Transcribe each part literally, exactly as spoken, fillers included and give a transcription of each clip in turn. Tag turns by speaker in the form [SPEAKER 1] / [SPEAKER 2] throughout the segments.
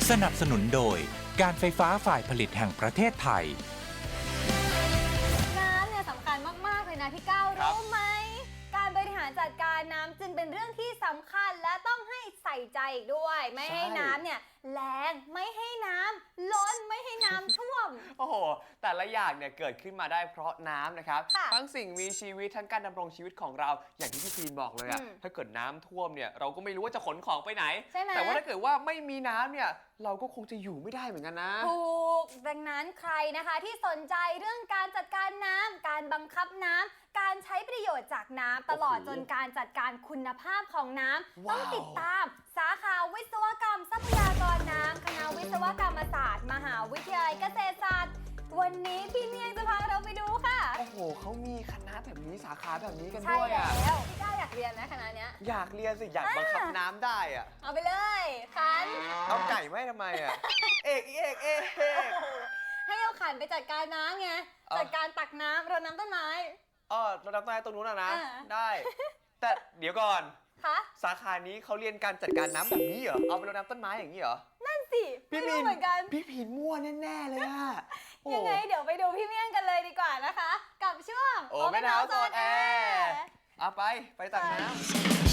[SPEAKER 1] สนับสนุนโดยการไฟฟ้าฝ่ายผลิตแห่งประเทศไทย
[SPEAKER 2] น้ำเนี่ยสำคัญมากๆเลยนะพี่ก้าวรู้ไหมการบริหารจัดการน้ำจึงเป็นเรื่องที่สำคัญและต้องให้ใส่ใจอีกด้วยไม่ให้น้ำเนี่ยแรงไม่ให้น้ำล้นไม่ให้น้ำท่วม
[SPEAKER 3] โอ้โหแต่ละอย่างเนี่ยเกิดขึ้นมาได้เพราะน้ำนะครับ
[SPEAKER 2] ค่ะ
[SPEAKER 3] ทั้งสิ่งมีชีวิตทั้งการดำรงชีวิตของเราอย่างที่พี่พีนบอกเลยอะ
[SPEAKER 2] อืม
[SPEAKER 3] ถ้าเกิดน้ำท่วมเนี่ยเราก็ไม่รู้ว่าจะขนของไปไหน
[SPEAKER 2] ใช่ไหม
[SPEAKER 3] แต่ว่าถ้าเกิดว่าไม่มีน้ำเนี่ยเราก็คงจะอยู่ไม่ได้เหมือนกันนะ
[SPEAKER 2] ถูกดังนั้นใครนะคะที่สนใจเรื่องการจัดการน้ำการบังคับน้ำการใช้ประโยชน์จากน้ำตลอด
[SPEAKER 3] โอ้โห
[SPEAKER 2] จนการจัดการคุณภาพของน้ำต้อง
[SPEAKER 3] ว้าว
[SPEAKER 2] ติดตามสาขาวิศวกรรมทรัพยากรน้ำคณะวิศวกรรมศาสตร์ มหาวิทยาลัยเกษตรศาสตร์วันนี้พี่เมียงจะพาเราไปดูค่ะ
[SPEAKER 3] โอ้โหเขามีคณะแบบนี้สาขาแบบนี้กัน
[SPEAKER 2] ใช่
[SPEAKER 3] ด้วย
[SPEAKER 2] แล้
[SPEAKER 3] อะ
[SPEAKER 2] วพี่ก้าวอยากเรียนไหมคณะเนี้ย
[SPEAKER 3] อยากเรียนสิอยากบังคับน้ำได้อะ
[SPEAKER 2] เอาไปเลยคัน
[SPEAKER 3] เอาไก่ไม่ทำไมอะ เอกเอกเอกเอก
[SPEAKER 2] ให้เอาขันไปจัดการน้ำไง
[SPEAKER 3] เอ้า
[SPEAKER 2] จัดการตักน้ำรดน้ำต้นไม้
[SPEAKER 3] อ๋อเราดับต้นไม้ตรงนู้นอะนะ
[SPEAKER 2] อ่า
[SPEAKER 3] ได้ แต่เดี๋ยวก่อน
[SPEAKER 2] คะ
[SPEAKER 3] สาขานี้เขาเรียนการจัดการน้ำแบบนี้เหรอ เอาไปรดน้ำต้นไม้อย่างนี้เหรอ
[SPEAKER 2] นั่นสิไม่รู้เหมือนกัน
[SPEAKER 3] พี่ผินมั่วแน่ๆเลยอะโอ้
[SPEAKER 2] ยังไงเดี๋ยวไปดูพี่เมี่ยงกันเลยดีกว่านะคะ กับช่วง
[SPEAKER 3] โอ้แม่เท้าโซนแอร์เอาไป ไปตักน้ำ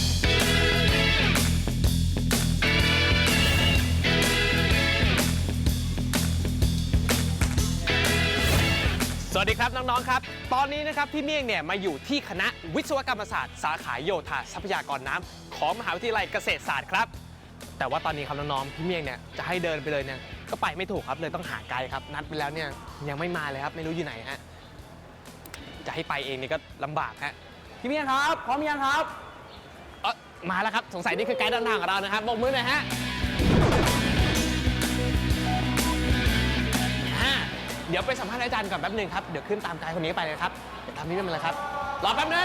[SPEAKER 4] สวัสดีครับน้องๆครับตอนนี้นะครับพี่เมี่ยงเนี่ยมาอยู่ที่คณะวิศวกรรมศาสตร์สาขาโยธาทรัพยากรน้ำของมหาวิทยาลัยเกษตรศาสตร์ครับแต่ว่าตอนนี้ครับน้องๆพี่เมี่ยงเนี่ยจะให้เดินไปเลยเนี่ยก็ไปไม่ถูกครับเลยต้องหาไกด์ครับนัดไปแล้วเนี่ยยังไม่มาเลยครับไม่รู้อยู่ไหนฮะจะให้ไปเองนี่ก็ลำบากฮะพี่เมี่ยงครับพร้อมยังครับเออมาแล้วครับสงสัยนี่คือไกด์เดินทางของเรานะครับโบกมือหน่อยฮะเดี๋ยวไปสัมภาษณ์อาจารย์ก่อนแป๊บนึงครับเดี๋ยวขึ้นตามไกด์คนนี้ไปเลยครับเดี๋ยวตามนี้ไปเลยครับรอแป๊บนึง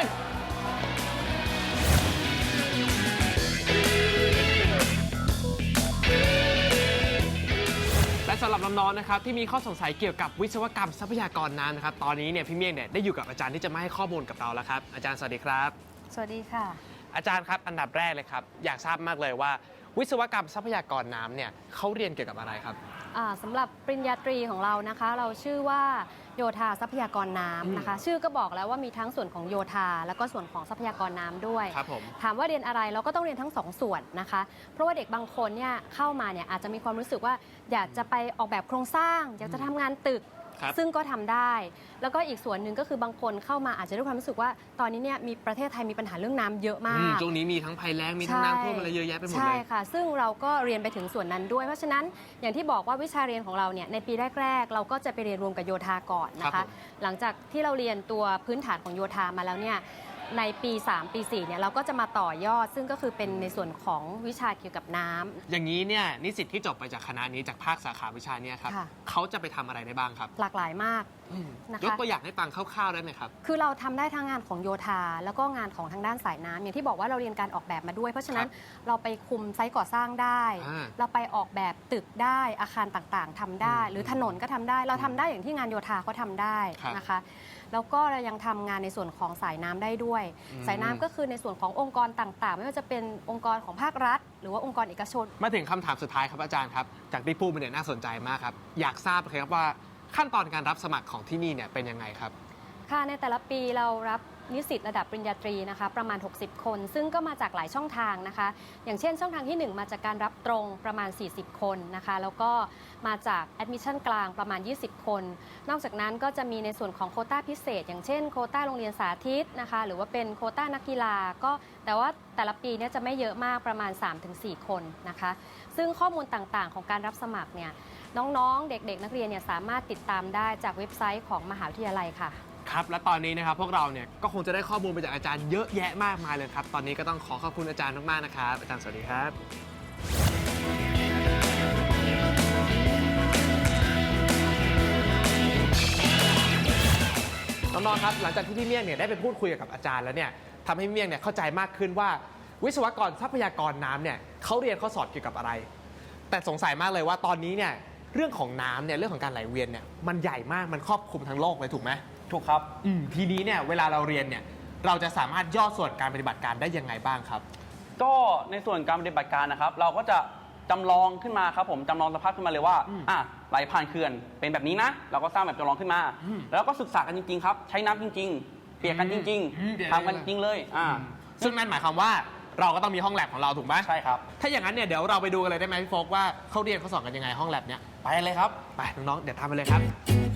[SPEAKER 4] และสำหรับน้องๆนะครับที่มีข้อสงสัยเกี่ยวกับวิศวกรรมทรัพยากรน้ำนะครับตอนนี้เนี่ยพี่เมี่ยงเนี่ยได้อยู่กับอาจารย์ที่จะมาให้ข้อมูลกับเราแล้วครับอาจารย์สวัสดีครับ
[SPEAKER 2] สวัสดีค่ะ
[SPEAKER 4] อาจารย์ครับอันดับแรกเลยครับอยากทราบมากเลยว่าวิศวกรรมทรัพยากรน้ำเนี่ยเขาเรียนเกี่ยวกับอะไรครับ
[SPEAKER 5] อ่าสำหรับปริญญาตรีของเรานะคะ เราชื่อว่าโยธาทรัพยากรน้ำนะคะ ชื่อก็บอกแล้วว่ามีทั้งส่วนของโยธาแล้วก็ส่วนของทรัพยากรน้ำด้วย
[SPEAKER 4] ครับผม
[SPEAKER 5] ถามว่าเรียนอะไรเราก็ต้องเรียนทั้งสองส่วนนะคะ เพราะว่าเด็กบางคนเนี่ยเข้ามาเนี่ยอาจจะมีความรู้สึกว่าอยากจะไปออกแบบโครงสร้าง อยากจะทำงานตึก
[SPEAKER 4] ครับ
[SPEAKER 5] ซึ่งก็ทำได้ แล้วก็อีกส่วนหนึ่งก็คือบางคนเข้ามาอาจจะด้วยความรู้สึกว่าตอนนี้เนี่ยมีประเทศไทยมีปัญหาเรื่องน้ำเยอะมา
[SPEAKER 4] อืม
[SPEAKER 5] ก
[SPEAKER 4] ช่วงนี้มีทั้งภัยแล้งมีทั้งน้ำท่วมอะไรเยอะแยะไปหมดเลย
[SPEAKER 5] ใช่ค่ะ ซึ่งเราก็เรียนไปถึงส่วนนั้นด้วย เพราะฉะนั้นอย่างที่บอกว่าวิชาเรียนของเราเนี่ยในปีแรกๆ เราก็จะไปเรียนรวมกับโยธาก่อนนะ
[SPEAKER 4] ครั
[SPEAKER 5] คะ
[SPEAKER 4] บผม
[SPEAKER 5] หลังจากที่เราเรียนตัวพื้นฐานของโยธามาแล้วเนี่ยในปีสามปีสี่เนี่ยเราก็จะมาต่อยอด ซึ่งก็คือเป็นในส่วนของวิชาเกี่ยวกับน้ำ
[SPEAKER 4] อย่างนี้เนี่ยนิสิตที่จบไปจากคณะนี้จากภาคสาขาวิชาเนี่ยครับ
[SPEAKER 5] ค่ะ
[SPEAKER 4] เขาจะไปทำอะไรได้บ้างครับ
[SPEAKER 5] หลากหลายมาก
[SPEAKER 4] อืม
[SPEAKER 5] นะคะ
[SPEAKER 4] ยกตัวอย่างให้ฟังคร่าวๆได้ไหมครับ
[SPEAKER 5] คือเราทำได้ทั้งงานของโยธาแล้วก็งานของทางด้านสายน้ำอย่างที่บอกว่าเราเรียนการออกแบบมาด้วย เพราะฉะนั้นเราไปคุมไซต์ก่อสร้างได้
[SPEAKER 4] อ่า
[SPEAKER 5] เราไปออกแบบตึกได้อาคารต่างๆทำได้
[SPEAKER 4] อืม
[SPEAKER 5] หรือถนนก็ทำได้ เราทำได้อย่างที่งานโยธาเขาทำได้
[SPEAKER 4] ครับ
[SPEAKER 5] นะคะแล้วก็เรายังทำงานในส่วนของสายน้ำได้ด้วย
[SPEAKER 4] อืม
[SPEAKER 5] สายน้ำก็คือในส่วนขององค์กรต่างๆ ไม่ว่าจะเป็นองค์กรของภาครัฐ หรือว่าองค์กรเอกชน
[SPEAKER 4] มาถึงคำถามสุดท้ายครับอาจารย์ครับจากที่พูดมาเนี่ยน่าสนใจมากครับอยากทราบเลยครับว่าขั้นตอนการรับสมัครของที่นี่เนี่ยเป็นยังไงครับ
[SPEAKER 5] ค่ะในแต่ละปีเรารับนิสิตระดับปริญญาตรีนะคะประมาณหกสิบคน ซึ่งก็มาจากหลายช่องทางนะคะ อย่างเช่นช่องทางที่หนึ่งมาจากการรับตรงประมาณสี่สิบคนนะคะแล้วก็มาจากแอดมิชชั่นกลางประมาณยี่สิบคน นอกจากนั้นก็จะมีในส่วนของโควต้าพิเศษ อย่างเช่นโควต้าโรงเรียนสาธิตนะคะหรือว่าเป็นโควต้านักกีฬาก็แต่ว่าแต่ละปีเนี่ยจะไม่เยอะมากประมาณ สามถึงสี่ คนนะคะซึ่งข้อมูลต่างๆของการรับสมัครเนี่ยน้องๆเด็กๆนักเรียนเนี่ยสามารถติดตามได้จากเว็บไซต์ของมหาวิทยาลัยค่ะ
[SPEAKER 4] ครับและตอนนี้นะครับพวกเราเนี่ยก็คงจะได้ข้อมูลไปจากอาจารย์เยอะแยะมากมายเลยครับตอนนี้ก็ต้องขอขอบคุณอาจารย์มากๆนะครับอาจารย์สวัสดีครับน้องๆครับหลังจากที่พี่เมี่ยงเนี่ยได้ไปพูดคุยกับอาจารย์แล้วเนี่ยทำให้พี่เมี่ยงเนี่ยเข้าใจมากขึ้นว่าวิศวกรทรัพยากรน้ำเนี่ยเขาเรียนข้อสอบเกี่ยวกับอะไร แต่สงสัยมากเลยว่าตอนนี้เนี่ยเรื่องของน้ำเนี่ยเรื่องของการไหลเวียนเนี่ยมันใหญ่มากมันครอบคลุมทั้งโลกเลยถูกไหม
[SPEAKER 3] ถูกครับ
[SPEAKER 4] อืมทีนี้เนี่ยเวลาเราเรียนเนี่ยเราจะสามารถย่อส่วนการปฏิบัติการได้ยังไงบ้างครับ
[SPEAKER 6] ก็ในส่วนการปฏิบัติการนะครับ เราก็จะ
[SPEAKER 3] จำลองขึ้นมาครับผมจำลองสภาพขึ้นมาเลยว่า
[SPEAKER 4] อืม
[SPEAKER 3] อ่ะไหลผ่านเขื่อนเป็นแบบนี้นะ เราก็สร้างแบบจำลองขึ้นมา
[SPEAKER 4] อืม
[SPEAKER 3] แล้วก็ศึกษากันจริงๆครับใช้น้ำจริง ๆ เปียกกันจริง
[SPEAKER 4] อืมเปียก
[SPEAKER 3] ๆทำกันจริงเลยอ่า
[SPEAKER 4] ซึ่งนั่นหมายความว่าเราก็ต้องมีห้องแลบของเราถูกไหม
[SPEAKER 3] ใช่ครับ
[SPEAKER 4] ถ้าอย่างนั้นเนี่ยเดี๋ยวเราไปดูกันเลยได้ไหมพี่โฟกว่าเขาเรียนเขาสอนกันยังไงห้องแลบเนี่ย
[SPEAKER 3] ไปเลยครับ
[SPEAKER 4] ไปน้องๆเดี๋ยวทำไปเลยครับ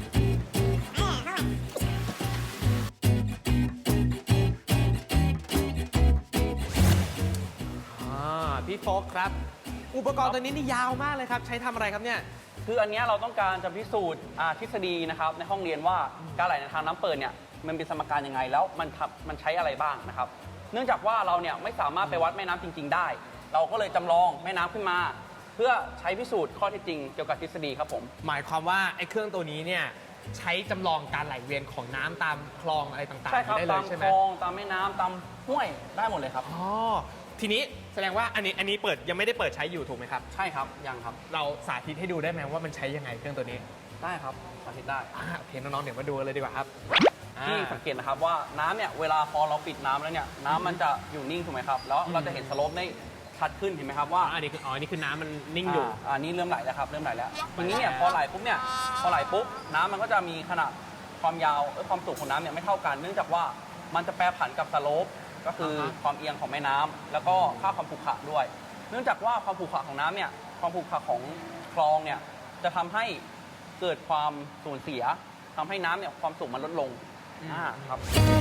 [SPEAKER 4] อ่าพี่โฟกครับ อุปกรณ์ตัวนี้นี่ยาวมากเลยครับ ใช้ทำอะไรครับเนี่ย
[SPEAKER 3] คืออันเนี้ยเราต้องการจะพิสูจน์อ่าทฤษฎีนะครับในห้องเรียนว่าการไหลในทางน้ำเปิดเนี่ยมันเป็นสมการยังไงแล้วมันทำมันใช้อะไรบ้างนะครับ เนื่องจากว่าเราเนี่ยไม่สามารถไปวัดแม่น้ำจริง ๆ ได้ เราก็เลยจำลองแม่น้ำขึ้นมา เพื่อใช้พิสูจน์ข้อเท็จจริงเกี่ยวกับทฤษฎีครับผม
[SPEAKER 4] หมายความว่าไอ้เครื่องตัวนี้เนี่ยใช้จำลองการไหลเวียนของน้ำตามคลองอะไรต่างๆ
[SPEAKER 3] ใช่ครับ
[SPEAKER 4] ได้เล
[SPEAKER 3] ตาย ม
[SPEAKER 4] ใช่ไห
[SPEAKER 3] ค
[SPEAKER 4] ม
[SPEAKER 3] ลองตามแม่น้ำตามห้วยได้หมดเลยครับ
[SPEAKER 4] อ๋อทีนี้แสดงว่าอันนี้อันนี้เปิดยังไม่ได้เปิดใช้อยู่ถูกไหมครับ
[SPEAKER 3] ใช่ครับยังครับ
[SPEAKER 4] เราสาธิตให้ดูได้ไหมว่ามันใช้ยังไงเครื่องตัวนี้
[SPEAKER 3] ได้ครับสาธิตได้
[SPEAKER 4] อ่าโอเคน้องๆเดี๋ยวมาดูกันเลยดีกว่าครับ
[SPEAKER 3] ที่
[SPEAKER 4] อ่า
[SPEAKER 3] สังเกตนะครับว่าน้ำเนี่ยเวลาพอเราปิดน้ำแล้วเนี่ยน้ำมันจะอยู่นิ่งถูกไหมครับแล้วเราจะเห็นสโลปได้ชัดขึ้นเห็นไหมครับว่า
[SPEAKER 4] อันนี้คืออ๋ออันนี้คือน้ำมันนิ่งอยู่
[SPEAKER 3] อ่าอันนี้เริ่มไหลแล้วครับเริ่มไหลแล้วทีนี้เนี่ยพอไหลปุ๊บเนี่ยพอไหลปุ๊บน้ำมันก็จะมีขนาดความยาวเอ้ยความสูงของน้ำเนี่ยไม่เท่ากัน เนื่องจากว่ามันจะแปรผันกับสโลปก็คืออา
[SPEAKER 4] ฮะ
[SPEAKER 3] ความเอียงของแม่น้ำแล้วก็ค่าความขรุขระด้วย เนื่องจากว่าความขรุขระของน้ำเนี่ยความขรุขระของคลองเนี่ยจะทำให้เกิดความสูญเสียทำให้น้ำเนี่ยความสูงมันลดลงอ่าครับ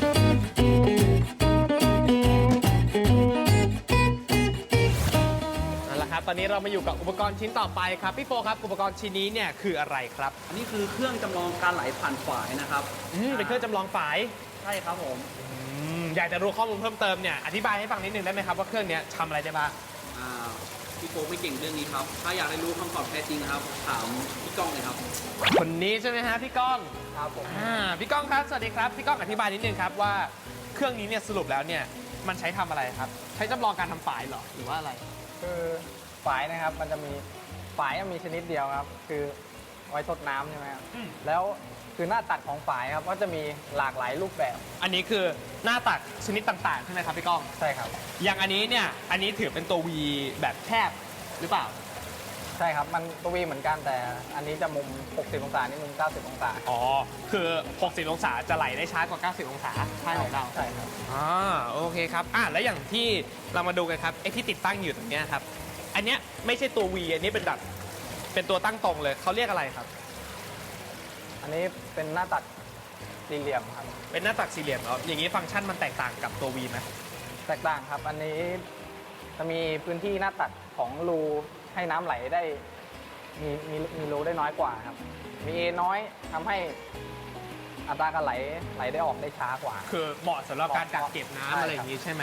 [SPEAKER 4] นั่นแหละครับตอนนี้เรามาอยู่กับอุปกรณ์ชิ้นต่อไปครับพี่โฟครับอุปกรณ์ชิ้นนี้เนี่ยคืออะไรครับ
[SPEAKER 3] อันนี้คือเครื่องจำลองการไหลผ่านฝายนะครับ
[SPEAKER 4] อืมเป็นเครื่องจำลองฝาย
[SPEAKER 3] ใช่ครับผม
[SPEAKER 4] อืมอยากจะรู้ข้อมูลเพิ่มเติมเนี่ยอธิบายให้ฟังนิดนึงได้ไหมครับว่าเครื่องเนี้ยทำอะไรได้บ้าง
[SPEAKER 3] อ่าพี่โฟไม่เก่งเรื่องนี้ครับ ถ้าอยากได้รู้คำตอบแท้จริงนะครับ ถามพี่ก้องเลยครับ
[SPEAKER 4] คนนี้ใช่ไหมฮะพี่ก้อง
[SPEAKER 3] ครับผม
[SPEAKER 4] อ่าพี่ก้องครับสวัสดีครับพี่ก้องอธิบายนิดนึงครับว่าเครื่องนี้เนี่ยสรุปแล้วเนี่ยมันใช้ทำอะไรครับ ใช้จำลองการทำฝายเหรอหรือว่าอะไร
[SPEAKER 6] คือฝายนะครับมันจะมีฝายมีชนิดเดียวครับ คือไว้ทดน้ำใช่ไหมครับ
[SPEAKER 4] อืม
[SPEAKER 6] แล้วคือหน้าตัดของฝายครับก็จะมีหลากหลายรูปแบบ
[SPEAKER 4] อันนี้คือหน้าตัดชนิดต่างๆใช่ไหมครับพี่ก้อง
[SPEAKER 6] ใช่ครับ
[SPEAKER 4] อย่างอันนี้เนี่ยอันนี้ถือเป็นตัว V แบบแคบหรือเปล่า
[SPEAKER 6] ใช่ครับมันตัววีเหมือนกันแต่อันนี้จะมุม หกสิบ องศานี่มุม เก้าสิบ องศา
[SPEAKER 4] อ๋อ คือ หกสิบ องศาจะไหลได้ช้ากว่า เก้าสิบ องศาใช่ของเรา
[SPEAKER 6] ใช่ครับ
[SPEAKER 4] อ่าโอเคครับอ่าแล้วอย่างที่เรามาดูกันครับไอ้ที่ติดตั้งอยู่ตรงเนี้ยครับ อันเนี้ยไม่ใช่ตัว V อันนี้เป็นแบบเป็นตัวตั้งตรงเลยเขาเรียกอะไรครับ
[SPEAKER 6] อันนี้เป็นหน้าตัดสี่เหลี่ยมครับ
[SPEAKER 4] เป็นหน้าตัดสี่เหลี่ยมเหรออย่างนี้ฟังก์ชันมันแตกต่างกับตัว V ไหม
[SPEAKER 6] แตกต่างครับ อันนี้จะมีพื้นที่หน้าตัดของรูให้น้ำไหลได้มีมีมีรูได้น้อยกว่าครับ มีเอน้อยทำให้อัตราการไหลไหลได้ออกได้ช้ากว่า
[SPEAKER 4] คือเหมาะสำหรับการกักเก็บน้ำ
[SPEAKER 6] ใช่ครับ
[SPEAKER 4] อะไรอย่างนี้ใช่ไหม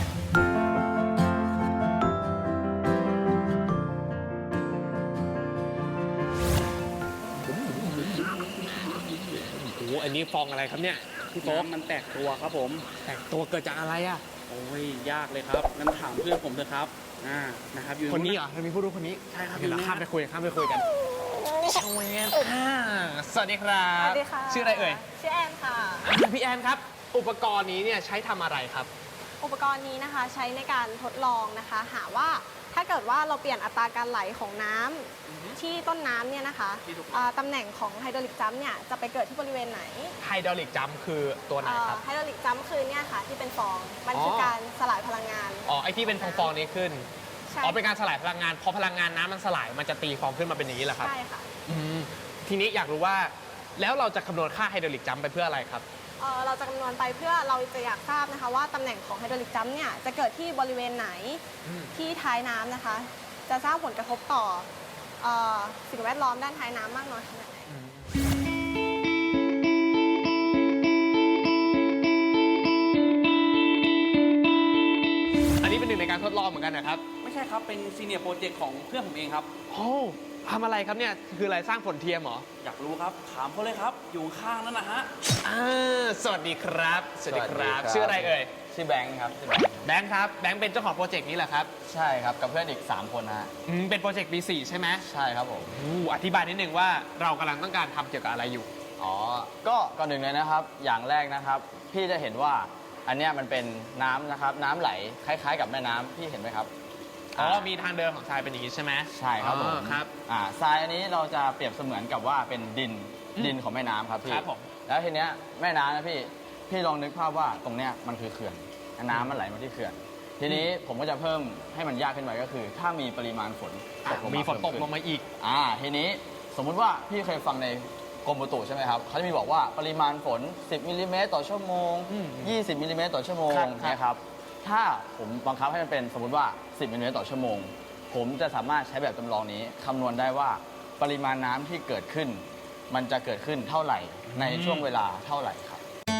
[SPEAKER 4] โอ้โหอันนี้ฟองอะไรครับเนี่ยพี่โฟก
[SPEAKER 3] น้ำมันแตกตัวครับผม
[SPEAKER 4] แตกตัวเกิดจากอะไรอ่ะ
[SPEAKER 3] โอ้ยยากเลยครับงั้นถามเพื่อนผมเถอะครับอ่านะครับอยู่
[SPEAKER 4] คนนี้เหรอเรามีผู้รู้คนนี้
[SPEAKER 3] ใช่ครับ
[SPEAKER 4] เดี๋ยวเรา
[SPEAKER 3] อยู่นี่
[SPEAKER 4] ข้ามไปคุยข้ามไปคุยกันชเวนอ่าสวัสดีครับ
[SPEAKER 2] สวัสดีค่ะ
[SPEAKER 4] ชื่ออะไรเอ่ย
[SPEAKER 2] ชื่อแอนค่ะ
[SPEAKER 4] อ่าพี่แอนครับ อุปกรณ์นี้เนี่ยใช้ทำอะไรครับ
[SPEAKER 7] อุปกรณ์นี้นะคะใช้ในการทดลองนะคะ หาว่าถ้าเกิดว่าเราเปลี่ยนอัตราการไหลของน้ำที่ต้นน้ำเนี่ยนะคะ
[SPEAKER 4] ที่ถูก
[SPEAKER 7] อ่าตำแหน่งของไฮดรอลิกจัมป์เนี่ยจะไปเกิดที่บริเวณไหน
[SPEAKER 4] ไฮดรอลิกจัมป์คือตัวไหนครับ
[SPEAKER 7] ไฮดรอลิกจัมป์คือเนี่ยค่ะที่เป็นฟอง มันคืออ
[SPEAKER 4] อ
[SPEAKER 7] การสลายพลังงาน
[SPEAKER 4] อ๋อไอที่เป็นฟองๆนี้ขึ้น
[SPEAKER 7] ใช่
[SPEAKER 4] อ๋อเป็นการสลายพลังงานพอพลังงานน้ำมันสลายมันจะตีฟองขึ้นมาเป็นอย่างนี้เหรอครับ
[SPEAKER 7] ใช่ค่ะ
[SPEAKER 4] อืมทีนี้อยากรู้ว่าแล้วเราจะคำนวณค่าไฮดรอลิกจัมป์ไปเพื่ออะไรครับ
[SPEAKER 7] เอ่อเราจะคำนวณไปเพื่อเราจะอยากทราบนะคะว่าตำแหน่งของไฮดรอลิกจัมป์เนี่ยจะเกิดที่บริเวณไหน
[SPEAKER 4] อืม
[SPEAKER 7] ที่ท้ายน้ำนะคะ จะสร้างผลกระทบต่อเอ่อสิ่งแวดล้อมด้านท้ายน้ำมากน้อยขนาดไหน
[SPEAKER 4] อันนี้เป็นหนึ่งในการทดลองเหมือนกันนะครับ
[SPEAKER 3] ไม่ใช่ครับเป็นซีเนียร์โปรเจกต์ของเพื่อนผมเองครับ
[SPEAKER 4] โอ้ทำอะไรครับเนี่ยคืออะไรสร้างฝนเทียมเหรอ
[SPEAKER 3] อยากรู้ครับถามเขาเลยครับ อยู่ข้างนั่นนะฮะ
[SPEAKER 4] อ่าสวัสดีครับ สวัสดีครับ
[SPEAKER 6] สวัสดีครับ
[SPEAKER 4] ชื่ออะไรเอ่ย
[SPEAKER 6] ชื่อแบงค์ครับชื่อแบงค์
[SPEAKER 4] แบงค์ครับแบงค์เป็นเจ้าของโปรเจกต์นี้เหรอครับ
[SPEAKER 6] ใช่ครับกับเพื่อนอีก สาม คนนะฮะ
[SPEAKER 4] อืมเป็นโปรเจกต์ปีสี่ใช่ไหม
[SPEAKER 6] ใช่ครับผม
[SPEAKER 4] อู้อธิบายนิดนึงว่าเรากำลังต้องการทำเกี่ยวกับอะไรอยู่
[SPEAKER 8] อ๋อ ก็ก่อนหนึ่งเลยนะครับ อย่างแรกนะครับ พี่จะเห็นว่าอันเนี้ยมันเป็นน้ำนะครับ น้ำไหลคล้ายๆ กับแม่น้ำพี่เห็นไหมครับ
[SPEAKER 4] อ๋อ มีทางเดินของทรายเป็นอย่างนี้ใช่ไหม
[SPEAKER 8] ใช่ครับผม
[SPEAKER 4] อ๋อครับ
[SPEAKER 8] อ่าทรายอันนี้เราจะเปรียบเสมือนกับว่าเป็นดิน
[SPEAKER 4] อืม
[SPEAKER 8] ดินของแม่น้ำครับพี่
[SPEAKER 4] ครับผม
[SPEAKER 8] แล้วทีเนี้ยแม่น้ำนะพี่พี่ลองนึกภาพว่าตรงเนี้ยมันคือเขื่อนน้ำมันไหลมาที่เขื่อน ทีนี้ผมก็จะเพิ่มให้มันยากขึ้นไปก็คือ ถ้ามีปริมาณฝนตกลงมา
[SPEAKER 4] มีฝนตก
[SPEAKER 8] เพิ่
[SPEAKER 4] ลงมาอีก
[SPEAKER 8] อ่าทีนี้สมมุติว่าพี่เคยฟังในกรมอุตุใช่ไหมครับเขาจะมีบอกว่าปริมาณฝน สิบมิลลิเมตรต่อชั่วโมง
[SPEAKER 4] อืม
[SPEAKER 8] ยี่สิบมิลลิเมตรต่อชั่วโมง
[SPEAKER 4] ครับ
[SPEAKER 8] นะครับ ถ้าผมบังคับให้มันเป็นสมมติว่า สิบมิลลิเมตรต่อชั่วโมง ผมจะสามารถใช้แบบจำลองนี้คำนวณได้ว่าปริมาณน้ำที่เกิดขึ้น มันจะเกิดขึ้นเท่าไหร่ในช่วงเวลาเท่าไหร่ครับ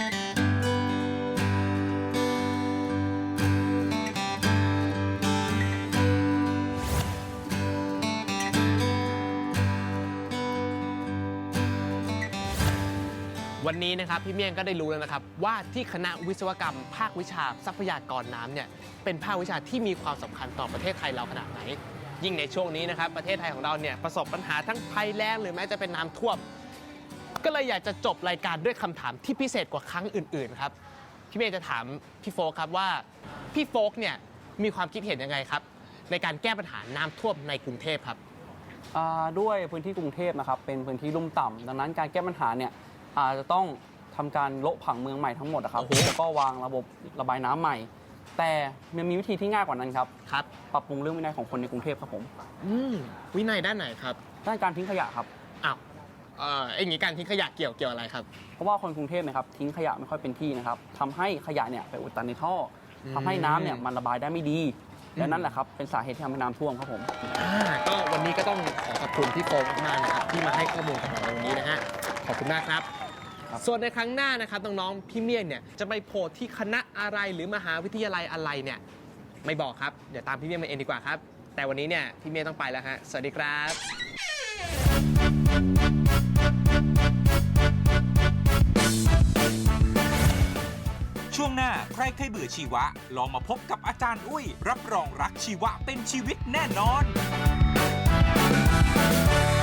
[SPEAKER 4] วันนี้นะครับพี่เมี่ยงก็ได้รู้แล้วนะครับว่าที่คณะวิศวกรรม ภาควิชาทรัพยากรน้ำเนี่ยเป็นภาควิชาที่มีความสำคัญต่อประเทศไทยเราขนาดไหน ยิ่งในช่วงนี้นะครับประเทศไทยของเราเนี่ยประสบปัญหาทั้งภัยแล้งหรือแม้จะเป็นน้ำท่วม ก็เลยอยากจะจบรายการด้วยคำถามที่พิเศษกว่าครั้งอื่นๆครับพี่เมี่ยงจะถามพี่โฟกครับว่าพี่โฟกเนี่ยมีความคิดเห็นยังไงครับในการแก้ปัญหาน้ำท่วมในกรุงเทพครับ
[SPEAKER 3] อ่าด้วยพื้นที่กรุงเทพนะครับเป็นพื้นที่ลุ่มต่ำดังนั้นการแก้ปัญหาเนี่ยอาจจะต้องทำการโละผังเมืองใหม่ทั้งหมดนะครับ
[SPEAKER 4] โอ้โห
[SPEAKER 3] แล้วก็วางระบบระบายน้ำใหม่ แต่มันมีวิธีที่ง่ายกว่านั้นครับ
[SPEAKER 4] ครับ
[SPEAKER 3] ปรับปรุงเรื่องวินัยของคนในกรุงเทพครับผม
[SPEAKER 4] อืมวินัยด้านไหนครับ
[SPEAKER 3] ด้านการทิ้งขยะครับ
[SPEAKER 4] อ้าวเอ่อไอ้อย่างนี้การทิ้งขยะเกี่ยวเกี่ยวอะไรครับ
[SPEAKER 3] เพราะว่าคนกรุงเทพนะครับทิ้งขยะไม่ค่อยเป็นที่นะครับทำให้ขยะเนี่ยไปอุดตันในท่ออ
[SPEAKER 4] ม
[SPEAKER 3] ทำให้น้ำเนี่ยมันระบายได้ไม่ดีและนั่นแหละครับเป็นสาเหตุที่ทำให้น้ำท่วมครับผม
[SPEAKER 4] อ่าก็วันนี้ก็ต้องขอขอบคุณพี่โฟมมากๆนะครับที่มาให้ข้อมูลกับเราในวันนี้นะฮะขอบคุณมากครับ
[SPEAKER 3] ครับ
[SPEAKER 4] ส่วนในครั้งหน้านะครับน้องๆพี่เมี่ยงเนี่ยจะไปโผล่ที่คณะอะไรหรือมหาวิทยาลัยอะไรเนี่ยไม่บอกครับเดี๋ยวตามพี่เมี่ยงมาเองดีกว่าครับแต่วันนี้เนี่ยพี่เมี่ยงต้องไปแล้วฮะสวัสดีครับ
[SPEAKER 1] ช่วงหน้าใครเคยเบื่อชีวะ ลองมาพบกับอาจารย์อุ้ย รับรองรักชีวะเป็นชีวิตแน่นอน